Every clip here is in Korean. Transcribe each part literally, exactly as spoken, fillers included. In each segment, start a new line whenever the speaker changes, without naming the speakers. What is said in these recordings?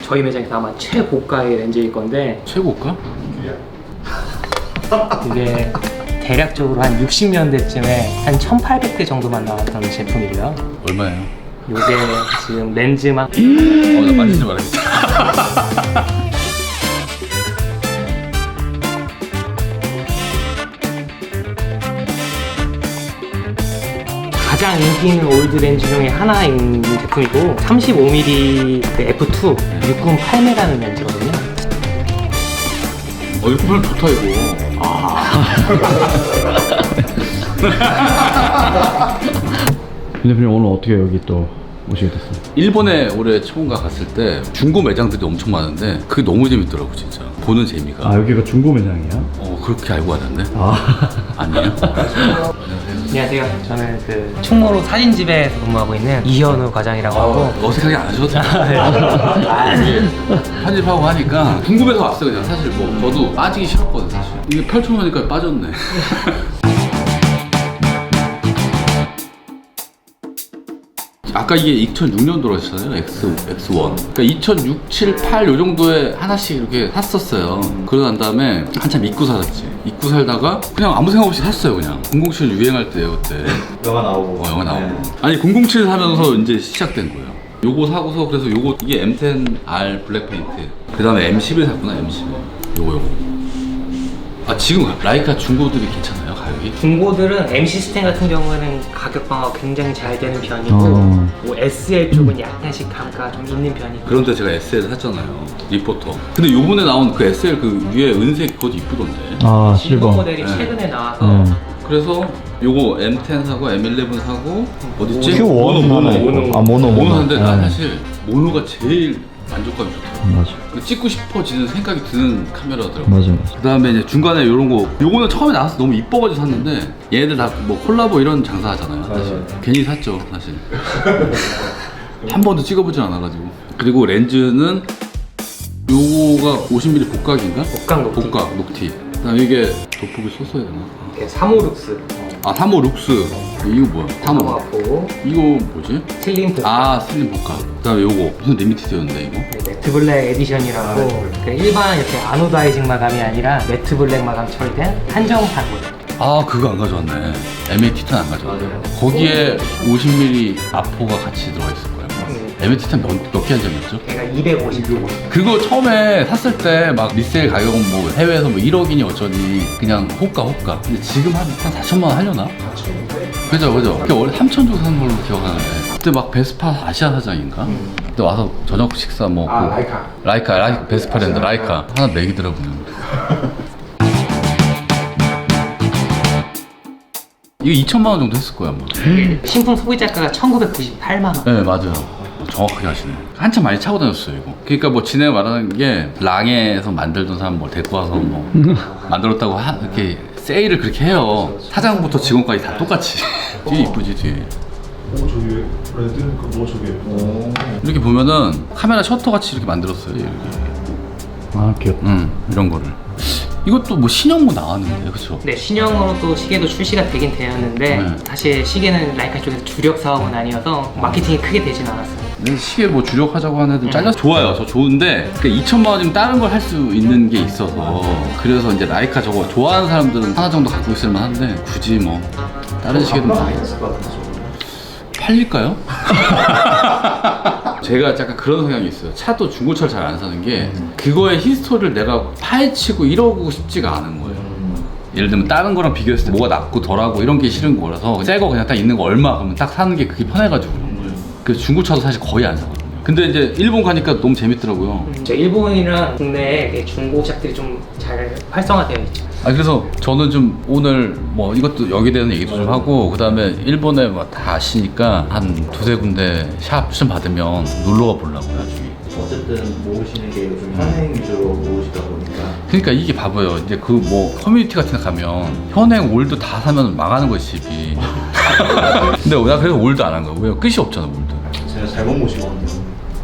저희 매장에서 아마 최고가의 렌즈일 건데
최고가?
이게 대략적으로 한 육십 년대쯤에 한 천팔백 대 정도만 나왔던 제품이고요.
얼마예요?
요게 지금 렌즈만
어, 나 만지지 말아야겠다.
가장 인기 있는 올드 렌즈 중에 하나인 제품이고 삼십오 밀리미터 에프 투 육백구십팔 라는 렌즈거든요.
어, 이거 별 좋다, 이거.
대표님 오늘 어떻게 여기 또 오시게 됐어요?
일본에 올해 초본가 갔을 때 중고 매장들이 엄청 많은데 그게 너무 재밌더라고, 진짜. 보는 재미가.
아 여기가 중고 매장이에요?
어, 그렇게 알고 왔는데?
아
아니에요?
안녕하세요. 저는 그 충무로 사진집에서 근무하고 있는 이현우 과장이라고 하고
어, 어색하게 안 하셔도 돼요. 이게 편집하고 하니까 궁금해서 왔어요, 그냥. 사실 뭐 저도 빠지기 싫었거든, 사실. 이게 펼쳐놓으니까 빠졌네. 아까 이게 이천육 년도로 했잖아요, X, 엑스원. 그러니까 이천육, 칠, 팔 요 정도에 하나씩 이렇게 샀었어요. 그러고 난 다음에 한참 잊고 살았지. 잊고 살다가 그냥 아무 생각 없이 샀어요, 그냥. 공공칠 유행할 때예요, 그때.
영화 나오고.
어, 영화 나오고.
네.
아니, 공공칠 사면서 이제 시작된 거예요. 요거 사고서 그래서 요거 이게 엠 텐 알 블랙 페인트. 그 다음에 엠 십일 샀구나, 엠 십일. 요거 요거. 아, 지금 라이카 중고들이 괜찮아요, 가격이?
중고들은 M 시스템 같은 경우에는 가격 방어가 굉장히 잘 되는 편이고
어.
뭐 에스 엘 쪽은 약간씩 감가가 좀 있는 편이고
그런데 제가 에스 엘 샀잖아요, 리포터. 근데 요번에 나온 그 에스 엘 그 위에 은색 그것도 이쁘던데.
아
실버
실버.
모델이
네.
최근에 나와서
네.
그래서 요거 엠 텐 사고 엠 일레븐 사고 어딨지?
큐 원
모노,
하나
모노.
있고. 아 모노
모노 샀는데
네.
난 사실 모노가 제일 만족감이 좋더라고.
맞아
그 찍고 싶어지는 생각이 드는 카메라더라고.
맞아 맞아.
그 다음에 이제 중간에 이런 거, 요거는 처음에 나와서 너무 이뻐가지고 샀는데 얘네들 다 뭐 콜라보 이런 장사 하잖아요, 사실.
맞아요.
괜히 샀죠, 사실. 한 번도 찍어보진 않아가지고. 그리고 렌즈는 요거가 오십 밀리미터 복각인가?
복각 녹티.
복각 녹티. 그 다음에 이게 도폭이 썼어야 되나?
네, 삼오룩스
아, 삼 호 룩스. 이거 뭐야? 삼 호.
하고
이거 뭐지?
슬림 복각
아, 슬림 복각. 그 다음에 요거 무슨 리미티드였는데 이거?
네, 매트 블랙 에디션이라고 그 일반 이렇게 아노다이징 마감이 아니라 매트 블랙 마감 처리된 한정판 모델.
아, 그거 안 가져왔네. 엠 에이 티탄 안 가져왔네. 거기에 오십 밀리미터 아포가 같이 들어가 있을 거예요.
네.
엠 에이 티탄 몇개 한정이었죠?
걔가 이백오십.
그거 처음에 샀을 때 막 리세일 가격은 뭐 해외에서 뭐 일억이니 어쩌니 그냥 호가 호가. 근데 지금 한, 한 사천만 원 하려나? 그죠, 그죠. 그게 원래 삼천 주고 산 걸로 기억하는데 그때 막 베스파 아시아 사장인가? 그때 와서 저녁 식사 뭐
아,
그-
라이카.
라이카 라이카 베스파랜드 라이카 하나 먹이더라고요. 이거 이천만 원 정도 했을 거야 아마.
신품 소비자가가 천구백구십팔만 원.
네, 맞아요. 정확하게 하시네. 한참 많이 차고 다녔어요 이거. 그러니까 뭐 진행 말하는 게 랑에서 만들던 사람 뭐 데리고 와서 뭐 만들었다고 하, 이렇게 세일을 그렇게 해요. 사장부터 직원까지 다 똑같이. 뒤에 이쁘지 뒤에.
오, 저기 왜 레드? 그뭐 저기. 오.
이렇게 보면은 카메라 셔터 같이 이렇게 만들었어요 이렇게.
아 귀엽다.
음, 이런 거를. 이것도 뭐 신형 뭐 나왔는데, 그쵸?
네, 신형으로 또 시계도 출시가 되긴 되었는데
네.
사실 시계는 라이카 쪽에서 주력 사업은 아니어서 마케팅이 크게 되진 않았어요.
근데 시계 뭐 주력하자고 하는 애들 잘려서 좋아요. 저 좋은데 그 이천만 원이면 다른 걸 할 수 있는 게 있어서 그래서 이제 라이카 저거 좋아하는 사람들은 하나 정도 갖고 있을 만한데 굳이 뭐 다른 시계도 뭐
있을 것 같은데 저거.
팔릴까요? 제가 약간 그런 성향이 있어요. 차도 중고차를 잘 안 사는 게 그거의 히스토리를 내가 파헤치고 이러고 싶지가 않은 거예요. 예를 들면 다른 거랑 비교했을 때 뭐가 낫고 덜하고 이런 게 싫은 거라서 새 거 그냥 딱 있는 거 얼마 그러면 딱 사는 게 그게 편해가지고 그런 거예요. 그래서 중고차도 사실 거의 안 사거든요. 근데 이제 일본 가니까 너무 재밌더라고요.
저 일본이랑 국내에 중고샵들이 좀 잘 활성화되어 있죠.
아, 그래서 저는 좀 오늘 뭐 이것도 여기 대한 얘기도 좀 하고, 그 다음에 일본에 뭐 다 아시니까 한 두세 군데 샵 좀 받으면 놀러가 보려고요, 나중에.
어쨌든 모으시는 게 요즘 현행 위주로 모으시다 보니까.
그러니까 이게 봐봐요. 이제 그 뭐 커뮤니티 같은 데 가면 현행 올드 다 사면 망하는 거지, 집이. 근데 나 그래서 올드 안 한 거야. 왜? 끝이 없잖아, 올드.
제가 잘못 모신 것 같아요.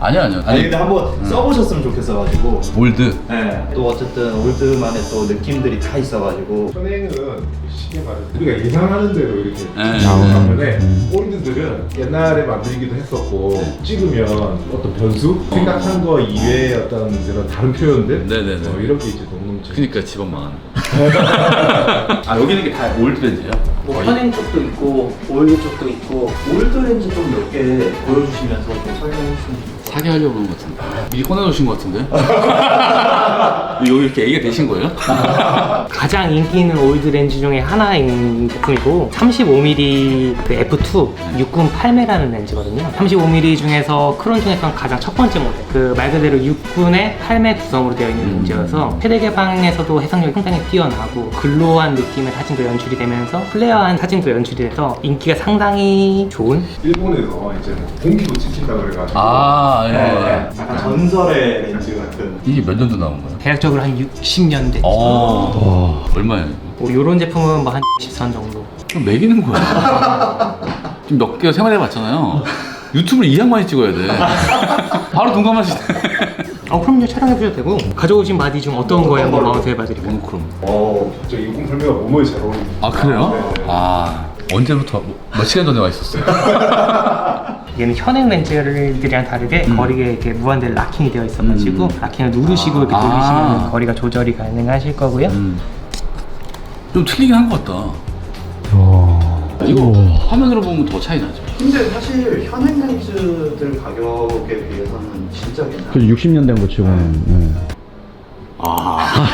아니요 아니요.
아니 근데 한번 써보셨으면 좋겠어가지고.
올드.
네. 또 어쨌든 올드만의 또 느낌들이 다 있어가지고.
현행은 쉽게 말해서 우리가 예상하는 대로 이렇게
네.
나오는 반면에 올드들은 옛날에 만들기도 했었고 찍으면 어떤 변수? 생각한 거 이외의 어떤 그런 다른 표현들?
네네네.
어, 이런 게 이제 녹nom치.
그니까 집안 망하는 거. 아 여기는 게 다 올드 렌즈예요?
뭐 현행 쪽도 있고 올드 쪽도 있고
올드 렌즈 좀 몇 개 보여주시면서 좀 설명해 주시면 좋겠어요.
사게 하려고 그런 것 같은데. 미리 꺼내놓으신 것 같은데? 여기 이렇게 얘기가 되신 거예요?
가장 인기 있는 올드 렌즈 중에 하나인 제품이고 삼십오 밀리미터 그 에프 투 육군 팔 매라는 렌즈거든요. 삼십오 밀리미터 중에서 크론 중에서는 가장 첫 번째 모델. 그 말 그대로 육군의 팔 매 구성으로 되어 있는 렌즈여서 최대 개방에서도 해상력이 상당히 뛰어나고 글로우한 느낌의 사진도 연출이 되면서 플레어한 사진도 연출이 돼서 인기가 상당히 좋은.
일본에서 이제 공기도 찍힌다 그래가지고
아 예.
네. 약간 전설의 렌즈 같은.
이게 몇 년도 나온 거예요?
대략적으로 한 육십 년 됐죠.
어. 얼마예요?
뭐 이런 제품은 뭐 한 육십 선 정도.
그럼 매기는 거야. 지금 몇 개월 생활해봤잖아요. 유튜브를 이 양반이 찍어야 돼. 바로 동감하시네.
어 그럼요, 촬영해보셔도 되고. 가져오신 바디 중 어떤 거에 한번 마운트 해봐드릴까요?
모노크롬.
어, 저 이공 설명가 몸에 잘 어울립니다.
아 그래요?
네.
아 언제부터 뭐, 몇 시간 전에 와 있었어요?
얘는 현행 렌즈들이랑 다르게
음.
거리에 이렇게 무한대로 락킹이 되어 있어가지고
음.
락킹을 누르시고 이렇게
아.
돌리시면 거리가 조절이 가능하실 거고요.
음. 좀 틀리긴 한 것 같다. 이거
우와.
화면으로 보면 더 차이 나죠.
근데 사실 현행 렌즈들 가격에 비해서는 진짜 괜찮아요.
그 육십 년 된 거 치고는. 네.
아.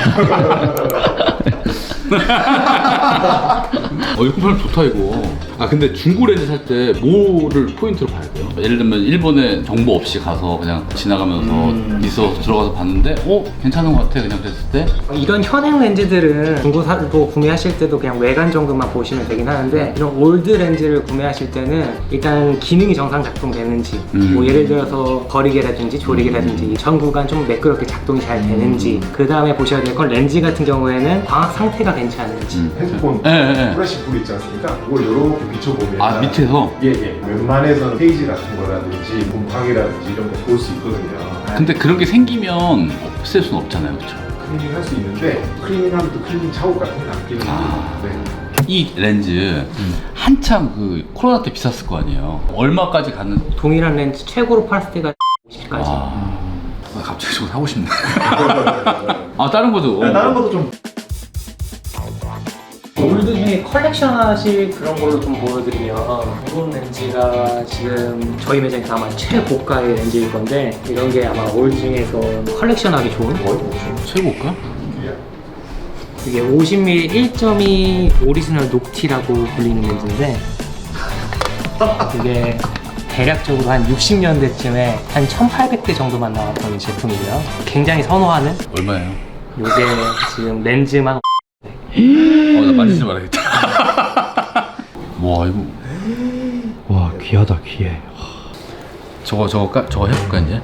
어, 이거 품 좋다 이거. 아 근데 중고 렌즈 살 때 뭐를 포인트로 봐야 돼요? 예를 들면 일본에 정보 없이 가서 그냥 지나가면서
음.
있어 들어가서 봤는데 어 괜찮은 것 같아 그냥 그랬을 때
이런 현행 렌즈들은 중고사로 구매하실 때도 그냥 외관 정도만 보시면 되긴 하는데 이런 올드 렌즈를 구매하실 때는 일단 기능이 정상 작동되는지
음.
뭐 예를 들어서 거리계라든지 조리계라든지 전구가 좀 매끄럽게 작동이 잘 되는지 그 다음에 보셔야 될 건 렌즈 같은 경우에는 광학 상태가 괜찮은지
음.
핸드폰
예, 예, 예.
플래시 불 있지 않습니까? 그걸 이렇게 비춰보면
아 밑에서?
예예 웬만해서는 페이지 같은 거라든지 분광이라든지 이런 거 볼 수 있거든요.
근데 그런 게 생기면 없앨 수는 없잖아요 그렇죠?
클리닝 할 수 있는데 클리닝하면 또 클리닝 작업 같은 게 남기는
아.
네.
이 렌즈 한참 그 코로나 때 비쌌을 거 아니에요. 얼마까지 가는?
동일한 렌즈 최고로 팔았을 때가 오십까지.
아, 나 갑자기 저거 사고 싶네. 아 다른 것도.
네, 다른 것도 좀
올드 중에 컬렉션 하실 그런 걸로 좀 보여드리면 이런 렌즈가 지금 저희 매장에서 아마 최고가의 렌즈일 건데 이런 게 아마 올드 중에서 컬렉션 하기 좋은
최고가?
이게 오십 밀리미터 일 점 이 오리지널 녹티라고 불리는 렌즈인데 이게 대략적으로 한 육십 년대쯤에 한 천팔백 대 정도만 나왔던 제품이고요. 굉장히 선호하는
얼마예요?
이게 지금 렌즈만
어, 나 만지지 말아야겠다. 와 이거
와, 귀하다, 귀해.
저거 저거 까, 저거 해볼까 이제?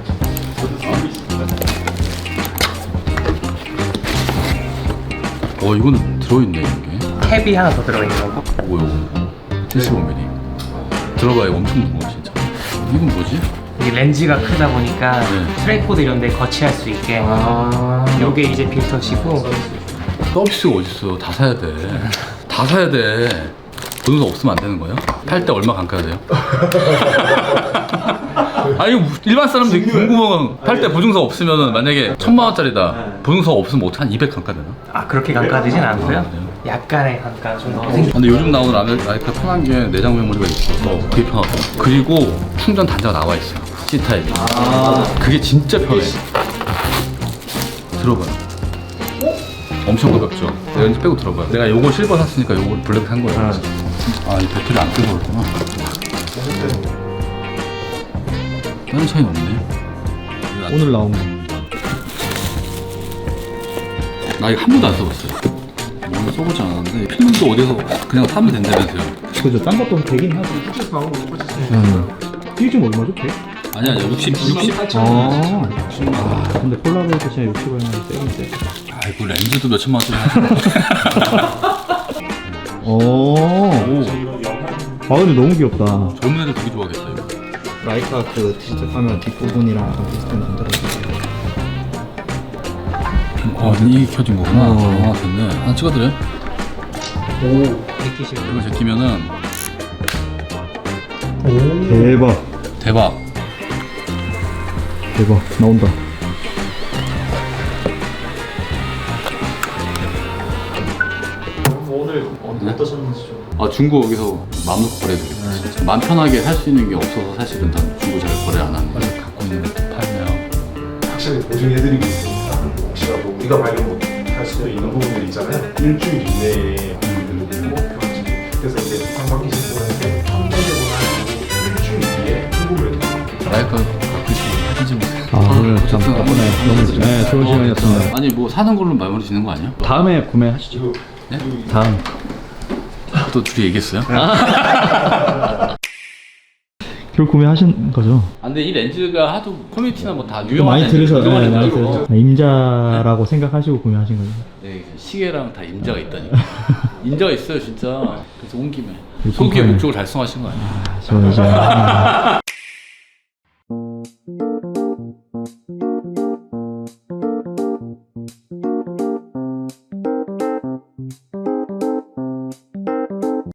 어 이거는 들어있네 이게.
캡이 하나 더 들어있는 거고
오 요거 칠십오 밀리미터. 들어봐요 엄청 무거워 진짜. 이건 뭐지?
이 렌즈가 크다 보니까
네.
트라이포드 이런 데 거치할 수 있게 요게 이제 필터시고
서비스가 어딨어? 다 사야 돼. 다 사야 돼. 보증서 없으면 안 되는 거예요? 팔 때 얼마 감가야 돼요? 아니 일반 사람들이 궁금한 팔 때 보증서 없으면 만약에 천만 원짜리다 보증서 없으면 어떻게 한 이백 감가 되나?
아 그렇게 감가되진 않고요.
아, 그래요?
약간의 감가 정도 생기
근데 요즘 나오는 라이카, 라이카 편한 게 내장 메모리가 있어서 그게 편하고 그리고 충전 단자가 나와 있어요 C타입이. 그게 진짜 편해. 들어봐요. 엄청 가볍죠? 렌즈 빼고 들어봐요. 내가 요거 실버 샀으니까 요거 블랙 산 거예요. 아, 이 배터리 안 끄고 그랬구나. 다른 차이는 없네.
오늘 나온 거.
나 이거 한 번도 안 써봤어요. 오늘 써보지 않았는데 필름도 어디서 그냥 사면 된다면서요.
그죠, 딴 것도 되긴 하지. 음. 이게 지금 얼마죠, 백?
아니 아니 육십, 육십.
아, 아, 근데 폴라로이드 진짜 육십 원이면 세긴 세.
아이고 렌즈도 몇 천만 원짜리.
오.
오,
아, 근데 너무 귀엽다.
젊은 애들 되게 좋아하겠다 이거.
라이카 그 디지털 카메라 뒷부분이랑 약간 비슷한 만들어주세요.
어, 이게 켜진 거구나.
어.
아, 됐네. 하나 찍어드려요?
느끼시면
이거 제끼면은
대박.
대박.
대박. 나온다.
오늘 어떠셨는지 좀.
아, 중고 여기서 마음 놓고 거래해드리고 진짜 마음 편하게 살 수 있는 게 없어서 사실은 난 중고 잘 거래 안 하는데 갖고 있는 것도 팔면
확실히 보증해드리고 있으니까 혹시라도 우리가 발견 못할 수도 있는 부분들 있잖아요. 일주일 이내에 부분들을 목표하지. 그래서 이제 상반기신 분한테 한 번에 보나 일주일 뒤에 궁금을 해드립니다.
라이카 가끔씩 하지 보세요.
아, 오늘 참 덕분에 너무 네, 좋은 시간이었습니다.
아니 뭐 사는 걸로 마무리 짓는 거 아니야?
다음에 구매하시죠.
네?
다음.
또 둘이 얘기했어요?
결국 구매하신 거죠?
아, 근데 이 렌즈가 하도 커뮤니티나 뭐 다
또
유명한
많이
렌즈,
들으셔,
유명한
네, 많이
렌즈고.
들으셔. 임자라고 생각하시고 구매하신 거죠?
네, 시계랑 다 임자가 있다니까. 임자가 있어요 진짜. 그래서 온 김에
이
소기의
컴파니.
목적을 달성하신 거 아니에요?
저 이제.